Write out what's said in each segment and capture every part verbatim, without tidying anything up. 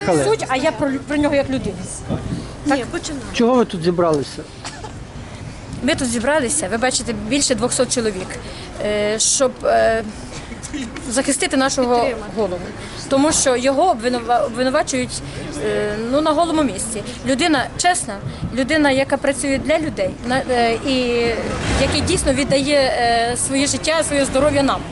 Суть, а я про, про нього як людину. Ні, починаю. Чого ви тут зібралися? Ми тут зібралися, ви бачите, більше двохсот чоловік, е, щоб е, захистити нашого голову. Тому що його обвинува- обвинувачують е, ну, на голому місці. Людина чесна, людина, яка працює для людей на, е, і який дійсно віддає е, своє життя, своє здоров'я нам.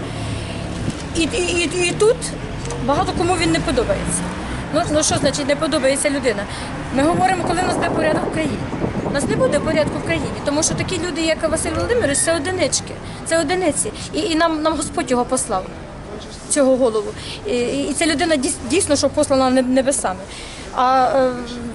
І, і, і, і тут багато кому він не подобається. Ну, ну що значить не подобається людина? Ми говоримо, коли в нас буде порядок в країні. У нас не буде порядку в країні, тому що такі люди, як Василь Володимирович, це одинички, це одиниці. І, і нам, нам Господь його послав, цього голову. І, і ця людина дійсно, що послана небесами. А е,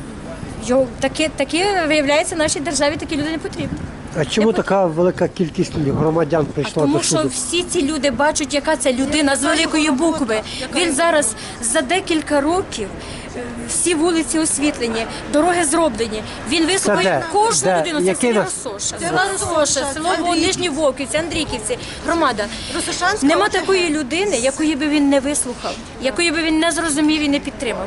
його, такі, такі, виявляється, нашій державі такі люди не потрібні. А чому така велика кількість громадян прийшла Тому до суду? що всі ці люди бачать, яка це людина з великої букви. Він зараз за декілька років, е, всі вулиці освітлені, дороги зроблені. Він вислухає де? кожну Де? людину. Це Який село нас? Росоша, село Росоша, село Нижні Вовківці, Андрійківці, громада. Росошанська Нема ОТГ. такої людини, якої би він не вислухав, якої би він не зрозумів і не підтримав.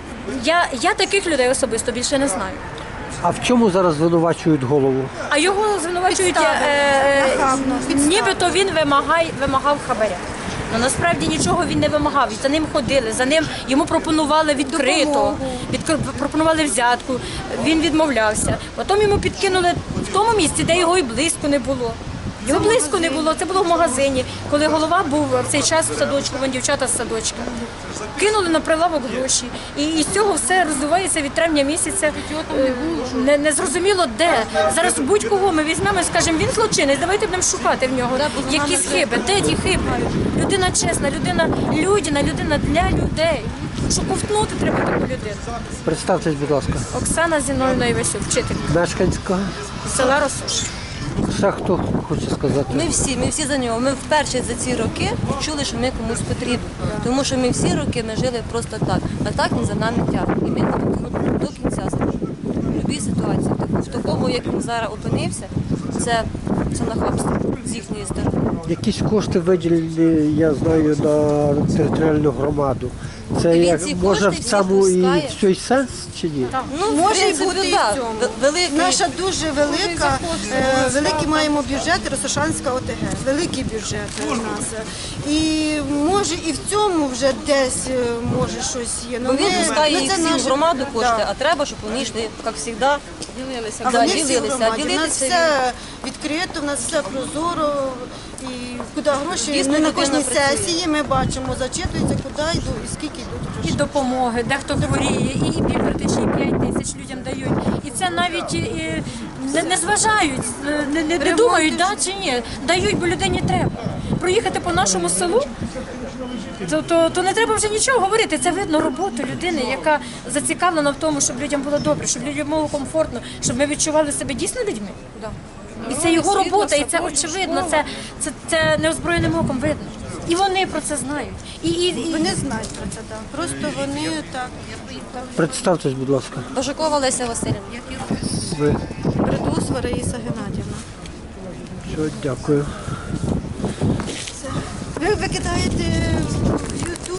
Я, я таких людей особисто більше не знаю. А в чому зараз звинувачують голову? А його звинувачують, Підстави. е, Нахабно, підстави. нібито він вимагає, вимагав хабаря. Ну, насправді нічого він не вимагав. За ним ходили, за ним йому пропонували відкрито, Допомогу. відкр- пропонували взятку. Він відмовлявся. Потім йому підкинули в тому місці, де його і близько не було. Його близько не було, це було в магазині, коли голова був в цей час в садочку, вон дівчата з садочка. Кинули на прилавок гроші. І, і з цього все розвивається від травня місяця. Е, Не, не зрозуміло де. Зараз будь-кого ми візьмемо і скажемо, він злочинець, давайте будемо шукати в нього якісь хиби. Де ті хиби? Людина чесна, людина людяна, людина для людей. Що ковтнути треба таку людину. Представтесь, будь ласка. Оксана Зіновна Івасюк, вчитель Мешканська. села Росош. Ще хто хоче сказати? Ми всі, ми всі за нього. Ми вперше за ці роки чули, що ми комусь потрібні. Тому що ми всі роки ми жили просто так. А так він за нами тягне. І ми до кінця за ним. В будь-якій ситуації. В такому, як він зараз опинився, це, це нахабство з їхньої сторони. Якісь кошти виділені, я знаю, на територіальну громаду. Це Він як, ці може кошти в всі цьому і пускає. цей сенс чи ні? Ну, Може в принципі, бути і да. в цьому. Ве- Великий, Наша дуже велика, е, великий маємо бюджет Росошанська ОТГ, великий бюджет у нас. І може і в цьому вже десь е, може щось є. бо він пускає ну, їх це всі в наше- громаду кошти, Да. а треба, щоб вони йшли, як завжди, ділилися. А Да, вони всі в ділилися. А громаді. У нас ділитися все відкрито, у нас все прозоро. І куди гроші Дійсно, ми на людина кожній працює. сесії ми бачимо, зачитується, куди йдуть і скільки йдуть І грошей. допомоги, дехто хворіє, і півкритичні п'ять тисяч людям дають. І це навіть і, не, не зважають, не, не, не думають, да чи ні. Дають, бо людині треба. Проїхати по нашому селу, то, то, то не треба вже нічого говорити. Це видно роботу людини, яка зацікавлена в тому, щоб людям було добре, щоб людям було комфортно, щоб ми відчували себе дійсно людьми. І це його робота, і це очевидно, це, це, це неозброєним оком видно. І вони про це знають. І, і, і... Вони знають про це, так. Просто вони так. Представтесь, будь ласка. Бажакова Леся Васильівна. Ви. Придус Раїса Геннадівна. Все, дякую. Ви викидаєте